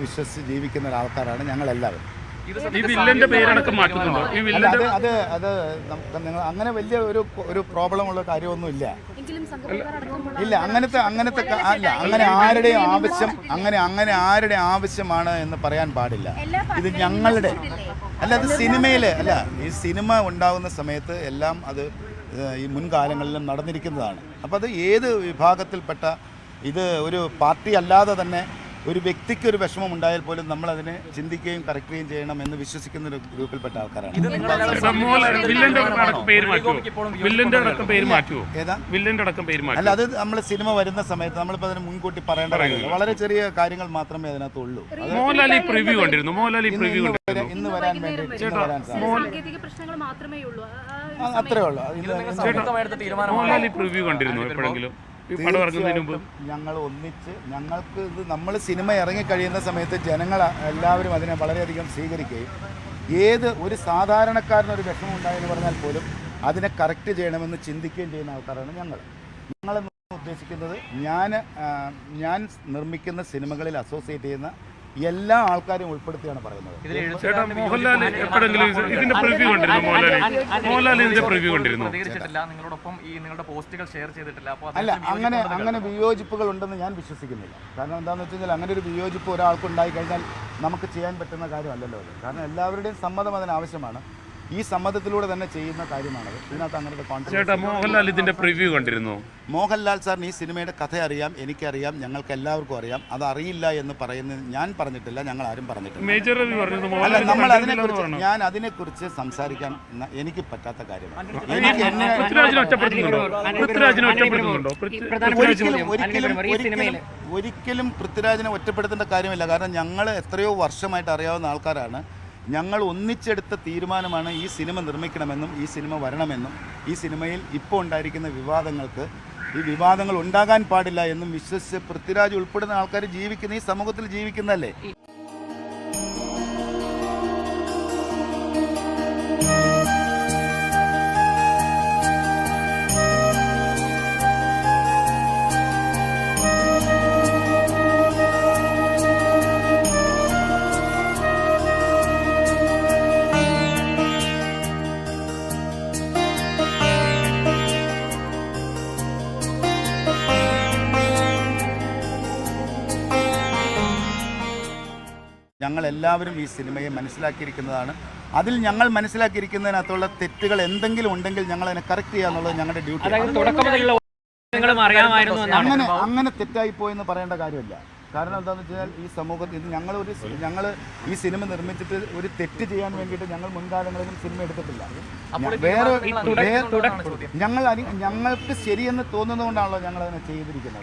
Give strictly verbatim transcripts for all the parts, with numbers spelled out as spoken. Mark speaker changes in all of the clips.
Speaker 1: വിശ്വസിച്ച് ജീവിക്കുന്ന ഒരാൾക്കാരാണ് ഞങ്ങളെല്ലാവരും.
Speaker 2: ഈ വില്ലന്റെ പേരടക്കം മാറ്റുന്നുണ്ടോ? ഈ വില്ലന്റെ
Speaker 1: അത് അത് നിങ്ങൾ അങ്ങനെ വലിയ ഒരു ഒരു പ്രോബ്ലം ഉള്ള കാര്യമൊന്നും ഇല്ല. ഇല്ല അങ്ങനത്തെ അങ്ങനത്തെ അല്ല അങ്ങനെ ആരുടെയും ആവശ്യം അങ്ങനെ അങ്ങനെ ആരുടെ ആവശ്യമാണ് എന്ന് പറയാൻ പാടില്ല. ഇത് ഞങ്ങളുടെ അല്ല, അത് സിനിമയിൽ അല്ല. ഈ സിനിമ ഉണ്ടാകുന്ന സമയത്ത് എല്ലാം അത് ഈ മുൻകാലങ്ങളിലും നടന്നിരിക്കുന്നതാണ്. അപ്പോൾ അത് ഏത് വിഭാഗത്തിൽപ്പെട്ട ഇത് ഒരു പാർട്ടി അല്ലാതെ തന്നെ ഒരു വ്യക്തിക്ക് ഒരു വിഷമം ഉണ്ടായാൽ പോലും നമ്മൾ അതിനെ ചിന്തിക്കുകയും കറക്റ്റുകയും ചെയ്യണം എന്ന് വിശ്വസിക്കുന്ന ഒരു ഗ്രൂപ്പിൽപ്പെട്ട ആൾക്കാരാണ്. അല്ല, അത് നമ്മൾ സിനിമ വരുന്ന സമയത്ത് നമ്മളിപ്പോൾ അതിന് മുൻകൂട്ടി പറയേണ്ട കാര്യമില്ല. വളരെ ചെറിയ കാര്യങ്ങൾ മാത്രമേ അതിനകത്തുള്ളൂ. ഇന്ന് വരാൻ വേണ്ടി വരാൻ അത്രേ ഉള്ളൂ. ഞങ്ങൾ ഒന്നിച്ച് ഞങ്ങൾക്ക് ഇത് നമ്മൾ സിനിമ ഇറങ്ങിക്കഴിയുന്ന സമയത്ത് ജനങ്ങൾ എല്ലാവരും അതിനെ വളരെയധികം സ്വീകരിക്കുകയും ഏത് ഒരു സാധാരണക്കാരനൊരു വിഷമം ഉണ്ടായെന്ന് പറഞ്ഞാൽ പോലും അതിനെ കറക്റ്റ് ചെയ്യണമെന്ന് ചിന്തിക്കുകയും ചെയ്യുന്ന ആൾക്കാരാണ് ഞങ്ങൾ. ഞങ്ങളെന്ന് ഉദ്ദേശിക്കുന്നത് ഞാൻ ഞാൻ നിർമ്മിക്കുന്ന സിനിമകളിൽ അസോസിയേറ്റ് ചെയ്യുന്ന എല്ലാ ആൾക്കാരും ഉൾപ്പെടുത്തിയാണ് പറയുന്നത്. അല്ല, അങ്ങനെ അങ്ങനെ വിയോജിപ്പുകൾ ഉണ്ടെന്ന് ഞാൻ വിശ്വസിക്കുന്നില്ല. കാരണം എന്താണെന്ന് വെച്ച് കഴിഞ്ഞാൽ അങ്ങനെ ഒരു വിയോജിപ്പ് ഒരാൾക്ക് ഉണ്ടായി കഴിഞ്ഞാൽ നമുക്ക് ചെയ്യാൻ പറ്റുന്ന കാര്യമല്ലല്ലോ അത്. കാരണം എല്ലാവരുടെയും സമ്മതം അതിനാവശ്യമാണ്. ഈ സമ്മതത്തിലൂടെ തന്നെ ചെയ്യുന്ന കാര്യമാണത്. ഇതിനകത്ത് അങ്ങനത്തെ കോൺസെപ്റ്റ്.
Speaker 2: മോഹൻലാൽ ഇതിന്റെ പ്രിവ്യൂ കണ്ടിരുന്നു.
Speaker 1: മോഹൻലാൽ സാറിന് ഈ സിനിമയുടെ കഥ അറിയാം, എനിക്കറിയാം, ഞങ്ങൾക്ക് എല്ലാവർക്കും അറിയാം. അത് അറിയില്ല എന്ന് പറയുന്നത് ഞാൻ പറഞ്ഞിട്ടില്ല, ഞങ്ങൾ ആരും പറഞ്ഞിട്ടില്ല. അല്ല, നമ്മൾ അതിനെക്കുറിച്ച് ഞാൻ അതിനെക്കുറിച്ച് സംസാരിക്കാൻ എനിക്ക് പറ്റാത്ത കാര്യമാണ്. എനിക്ക് എന്നെ ഒരിക്കലും ഒരിക്കലും ഒരിക്കലും പൃഥ്വിരാജിനെ ഒറ്റപ്പെടുത്തേണ്ട കാര്യമില്ല. കാരണം ഞങ്ങൾ എത്രയോ വർഷമായിട്ട് അറിയാവുന്ന ആൾക്കാരാണ്. ഞങ്ങൾ ഒന്നിച്ചെടുത്ത തീരുമാനമാണ് ഈ സിനിമ നിർമ്മിക്കണമെന്നും ഈ സിനിമ വരണമെന്നും ഈ സിനിമയിൽ ഇപ്പോൾ ഉണ്ടായിരിക്കുന്ന വിവാദങ്ങൾക്ക് ഈ വിവാദങ്ങൾ ഉണ്ടാകാൻ പാടില്ല എന്നും വിശ്വസിച്ച് പൃഥ്വിരാജ് ഉൾപ്പെടുന്ന ആൾക്കാർ ജീവിക്കുന്ന ഈ സമൂഹത്തിൽ ജീവിക്കുന്നതല്ലേ. ഞങ്ങളെല്ലാവരും ഈ സിനിമയെ മനസ്സിലാക്കിയിരിക്കുന്നതാണ്. അതിൽ ഞങ്ങൾ മനസ്സിലാക്കിയിരിക്കുന്നതിനകത്തുള്ള തെറ്റുകൾ എന്തെങ്കിലും ഉണ്ടെങ്കിൽ ഞങ്ങൾ അതിനെ കറക്റ്റ് ചെയ്യുക എന്നുള്ളത് ഞങ്ങളുടെ ഡ്യൂട്ടി. അങ്ങനെ അങ്ങനെ തെറ്റായി പോയെന്ന് പറയേണ്ട കാര്യമില്ല. കാരണം എന്താണെന്ന് വെച്ചാൽ ഈ സമൂഹത്തിൽ ഇത് ഞങ്ങളൊരു ഞങ്ങൾ ഈ സിനിമ നിർമ്മിച്ചിട്ട് ഒരു തെറ്റ് ചെയ്യാൻ വേണ്ടിയിട്ട് ഞങ്ങൾ മുൻകാലങ്ങളിലും സിനിമ എടുത്തിട്ടില്ല. വേറെ ഞങ്ങൾ ഞങ്ങൾക്ക് ശരിയെന്ന് തോന്നുന്നതുകൊണ്ടാണല്ലോ ഞങ്ങൾ അതിനെ ചെയ്തിരിക്കുന്നത്.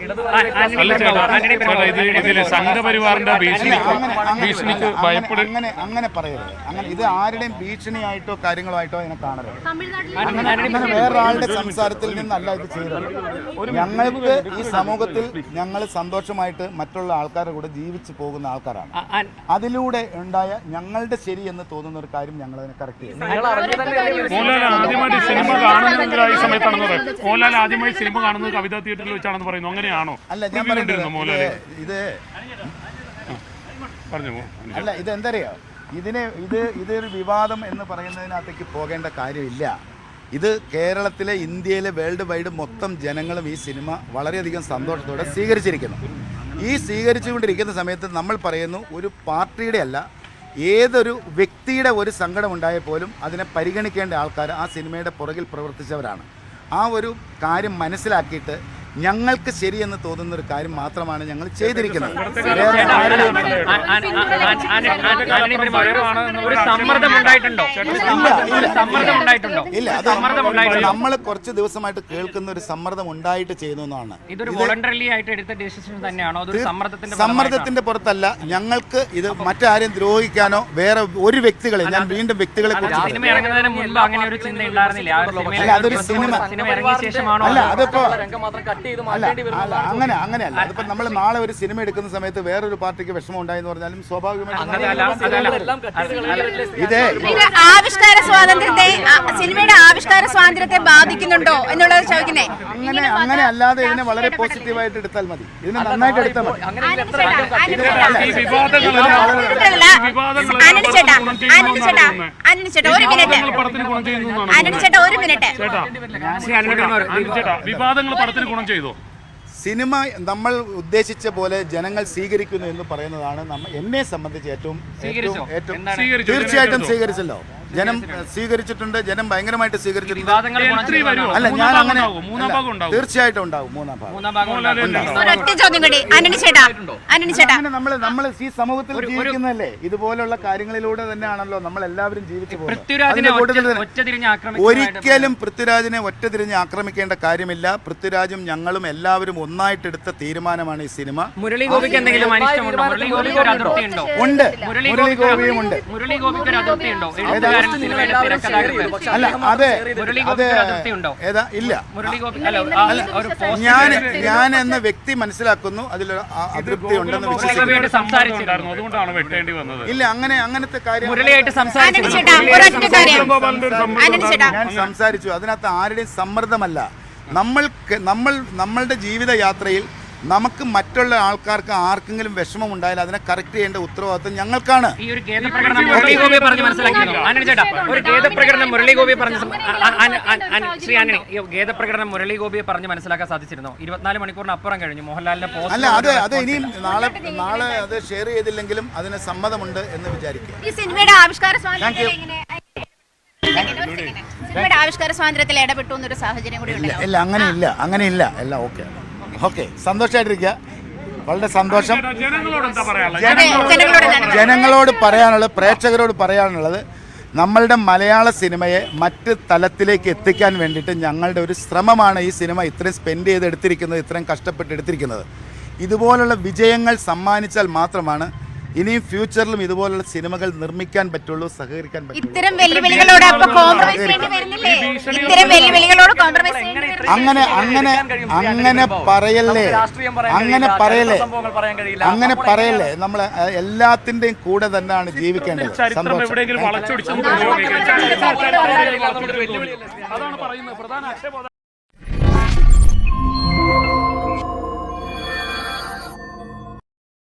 Speaker 1: അങ്ങനെ അങ്ങനെ പറയരുത്. അങ്ങനെ ഇത് ആരുടെയും ഭീഷണിയായിട്ടോ കാര്യങ്ങളായിട്ടോ അതിനെ കാണരുത്. അങ്ങനെ വേറൊരാളുടെ സംസാരത്തിൽ നിന്നല്ല ഇത് ചെയ്തത്. ഞങ്ങൾക്ക് ഈ സമൂഹത്തിൽ ഞങ്ങൾ സന്തോഷമായിട്ട് മറ്റുള്ള ആൾക്കാരുടെ കൂടെ ജീവിച്ചു പോകുന്ന ആൾക്കാരാണ്. അതിലൂടെ ഉണ്ടായ ഞങ്ങളുടെ ശരി എന്ന് തോന്നുന്ന ഒരു കാര്യം ഞങ്ങൾ അതിനെ കറക്റ്റ് ചെയ്യും. അല്ല, ഞാൻ പറയുന്നത് ഇത് അല്ല, ഇതെന്തറിയോ, ഇതിനെ ഇത് ഇതൊരു വിവാദം എന്ന് പറയുന്നതിനകത്തേക്ക് പോകേണ്ട കാര്യമില്ല. ഇത് കേരളത്തിലെ ഇന്ത്യയിലെ വേൾഡ് വൈഡ് മൊത്തം ജനങ്ങളും ഈ സിനിമ വളരെയധികം സന്തോഷത്തോടെ സ്വീകരിച്ചിരിക്കുന്നു. ഈ സ്വീകരിച്ചുകൊണ്ടിരിക്കുന്ന സമയത്ത് നമ്മൾ പറയുന്നു ഒരു പാർട്ടിയുടെ അല്ല, ഏതൊരു വ്യക്തിയുടെ ഒരു സങ്കടം ഉണ്ടായാൽ പോലും അതിനെ പരിഗണിക്കേണ്ട ആൾക്കാർ ആ സിനിമയുടെ പുറകിൽ പ്രവർത്തിച്ചവരാണ്. ആ ഒരു കാര്യം മനസ്സിലാക്കിയിട്ട് ഞങ്ങൾക്ക് ശരിയെന്ന് തോന്നുന്ന ഒരു കാര്യം മാത്രമാണ് ഞങ്ങൾ ചെയ്തിരിക്കുന്നത്. ഇല്ല, അത് നമ്മൾ കുറച്ച് ദിവസമായിട്ട് കേൾക്കുന്ന ഒരു സമ്മർദ്ദം ഉണ്ടായിട്ട് ചെയ്യുന്നതാണ്. സമ്മർദ്ദത്തിന്റെ പുറത്തല്ല. ഞങ്ങൾക്ക് ഇത് മറ്റാരെയും ദ്രോഹിക്കാനോ വേറെ ഒരു വ്യക്തികളെ, ഞാൻ വീണ്ടും വ്യക്തികളെ കുറിച്ച് അല്ല, അതൊരു സിനിമ അല്ല. അതിപ്പോ അല്ല അല്ല അങ്ങനെ അങ്ങനെയല്ല. അതിപ്പോ നമ്മൾ നാളെ ഒരു സിനിമ എടുക്കുന്ന സമയത്ത് വേറൊരു പാർട്ടിക്ക് വിഷമം ഉണ്ടായെന്ന് പറഞ്ഞാലും സ്വാഭാവികമായിട്ടും ഇതേ
Speaker 3: ഇത് ആവിഷ്കാര സ്വാതന്ത്ര്യത്തെ സിനിമയുടെ ആവിഷ്കാര സ്വാതന്ത്ര്യത്തെ ബാധിക്കുന്നുണ്ടോ എന്നുള്ളത് ചോദിക്കുന്നേ.
Speaker 1: അങ്ങനെ അങ്ങനെ അല്ലാതെ ഇതിനെ വളരെ പോസിറ്റീവായിട്ട് എടുത്താൽ മതി. ഇതിനെ നന്നായിട്ട് എടുത്താൽ മതി.
Speaker 3: ആനന്ദ ചേട്ടാ ആനന്ദ ചേട്ടാ ആനന്ദ ചേട്ടാ ഒരു മിനിറ്റ് ആനന്ദ ചേട്ടാ ഒരു മിനിറ്റ്
Speaker 2: വിവാദങ്ങൾ പടത്തിന് ഗുണം ചെയ്തോ?
Speaker 1: സിനിമ നമ്മൾ ഉദ്ദേശിച്ച പോലെ ജനങ്ങൾ സ്വീകരിക്കുന്നു എന്ന് പറയുന്നതാണ് നമ്മ എന്നെ സംബന്ധിച്ച് ഏറ്റവും ഏറ്റവും ഏറ്റവും തീർച്ചയായിട്ടും സ്വീകരിച്ചല്ലോ. ജനം സ്വീകരിച്ചിട്ടുണ്ട്. ജനം ഭയങ്കരമായിട്ട് സ്വീകരിച്ചിട്ടുണ്ട്. അല്ല ഞാൻ അങ്ങനെ തീർച്ചയായിട്ടും ഉണ്ടാവും മൂന്നാം ഭാഗം.
Speaker 3: ഒരൊറ്റ ചോദ്യം കൂടി ആനന്ദ ചേട്ടാ ആനന്ദ ചേട്ടാ
Speaker 1: അങ്ങനെ നമ്മൾ നമ്മൾ ഈ സമൂഹത്തിൽ ജീവിക്കുന്നതല്ലേ, ഇതുപോലുള്ള കാര്യങ്ങളിലൂടെ തന്നെയാണല്ലോ നമ്മൾ എല്ലാവരും ജീവിച്ചു പോകുന്നത്. ഒരിക്കലും പൃഥ്വിരാജിനെ ഒറ്റതിരിഞ്ഞ് ആക്രമിക്കേണ്ട കാര്യമില്ല. പൃഥ്വിരാജും ഞങ്ങളും എല്ലാവരും ഒന്നായിട്ടെടുത്ത തീരുമാനമാണ് ഈ സിനിമ.
Speaker 4: മുരളി ഗോപിക്ക് എന്തെങ്കിലും അനിഷ്ടമുണ്ടോ? മുരളി ഗോപിക്ക് ഒരു അതിർത്തി ഉണ്ടോ?
Speaker 1: ഉണ്ട്, മുരളി ഗോപിയും ഉണ്ട്.
Speaker 4: മുരളി ഗോപിക്ക് ഒരു അതിർത്തി ഉണ്ടോ?
Speaker 1: അല്ല അതെ അതെ ഏതാ ഇല്ല. ഞാൻ ഞാൻ എന്ന വ്യക്തി മനസ്സിലാക്കുന്നു അതിലൊരു അതൃപ്തി ഉണ്ടെന്ന് വിശ്വസിക്കുന്നു.
Speaker 4: സംസാരിച്ചിരുന്നു,
Speaker 2: അതുകൊണ്ടാണ് വെട്ടേണ്ടി വന്നത്.
Speaker 1: ഇല്ല അങ്ങനെ അങ്ങനത്തെ കാര്യം
Speaker 4: മുരളിയായിട്ട് സംസാരിച്ചു.
Speaker 1: ഞാൻ സംസാരിച്ചു. അതിനകത്ത് ആരുടെയും സമ്മർദ്ദമല്ല. നമ്മൾക്ക് നമ്മൾ നമ്മളുടെ ജീവിതയാത്രയിൽ നമുക്ക് മറ്റുള്ള ആൾക്കാർക്ക് ആർക്കെങ്കിലും വിഷമം ഉണ്ടായാൽ അതിനെ കറക്റ്റ് ചെയ്യേണ്ട ഉത്തരവാദിത്വം ഞങ്ങൾക്കാണ്.
Speaker 4: ഈ ഒരു ഖേദപ്രകടനം മുരളി ഗോപി പറഞ്ഞ് മനസ്സിലാക്കിയിരുന്നു. ആനന്ദ ചേട്ടാ, ഒരു ഖേദപ്രകടനം മുരളി ഗോപി പറഞ്ഞ് ശ്രീ ആന്റണി, ഈ ഖേദപ്രകടനം മുരളി ഗോപിയെ പറഞ്ഞ് മനസ്സിലാക്കാൻ സാധിച്ചിരുന്നു. ഇരുപത്തിനാല് മണിക്കൂറിന് അപ്പുറം കഴിഞ്ഞു. മോഹൻലാലിന്റെ പോസ്റ്റ്
Speaker 1: അല്ല അത് അത് ഇനിയും നാളെ നാളെ അത് ഷെയർ ചെയ്തില്ലെങ്കിലും അതിന് സമ്മതമുണ്ട് എന്ന് വിചാരിക്കുക.
Speaker 3: ഈ സിനിമയുടെ ആവിഷ്കാര സ്വാതന്ത്ര്യത്തിൽ എങ്ങനെ സിനിമയുടെ ആവിഷ്കാര സ്വാതന്ത്ര്യത്തിൽ ഇടപെട്ടു എന്നൊരു സാഹചര്യം കൂടി ഉണ്ട്.
Speaker 1: ഇല്ല അങ്ങനെയില്ല അങ്ങനെയില്ല എല്ലാം ഓക്കെ ഓക്കെ സന്തോഷമായിട്ടിരിക്കുക. വളരെ സന്തോഷം. ജനങ്ങളോട് പറയാനുള്ളത്, പ്രേക്ഷകരോട് പറയാനുള്ളത്, നമ്മളുടെ മലയാള സിനിമയെ മറ്റ് തലത്തിലേക്ക് എത്തിക്കാൻ വേണ്ടിയിട്ട് ഞങ്ങളുടെ ഒരു ശ്രമമാണ് ഈ സിനിമ ഇത്രയും സ്പെൻഡ് ചെയ്ത് എടുത്തിരിക്കുന്നത്, ഇത്രയും കഷ്ടപ്പെട്ട് എടുത്തിരിക്കുന്നത്. ഇതുപോലുള്ള വിജയങ്ങൾ സമ്മാനിച്ചാൽ മാത്രമാണ് ഇനിയും ഫ്യൂച്ചറിലും ഇതുപോലുള്ള സിനിമകൾ നിർമ്മിക്കാൻ പറ്റുള്ളൂ, സഹകരിക്കാൻ പറ്റുള്ളൂ.
Speaker 3: ഇത്തരം വെല്ലുവിളികളോട് അപ്പൊ കോംപ്രമൈസ് ചെയ്യേണ്ടി വരുന്നില്ലേ? ഇത്തരം വെല്ലുവിളികളോട് കോംപ്രമൈസ് ചെയ്യേണ്ടി വരുന്നില്ലേ?
Speaker 1: അങ്ങനെ അങ്ങനെ അങ്ങനെ പറയല്ലേ അങ്ങനെ പറയല്ലേ അങ്ങനെ പറയല്ലേ നമ്മൾ എല്ലാത്തിന്റെയും കൂടെ തന്നെയാണ് ജീവിക്കേണ്ടത്. സന്തോഷം.
Speaker 2: അതാണ് പറയുന്നത് പ്രധാന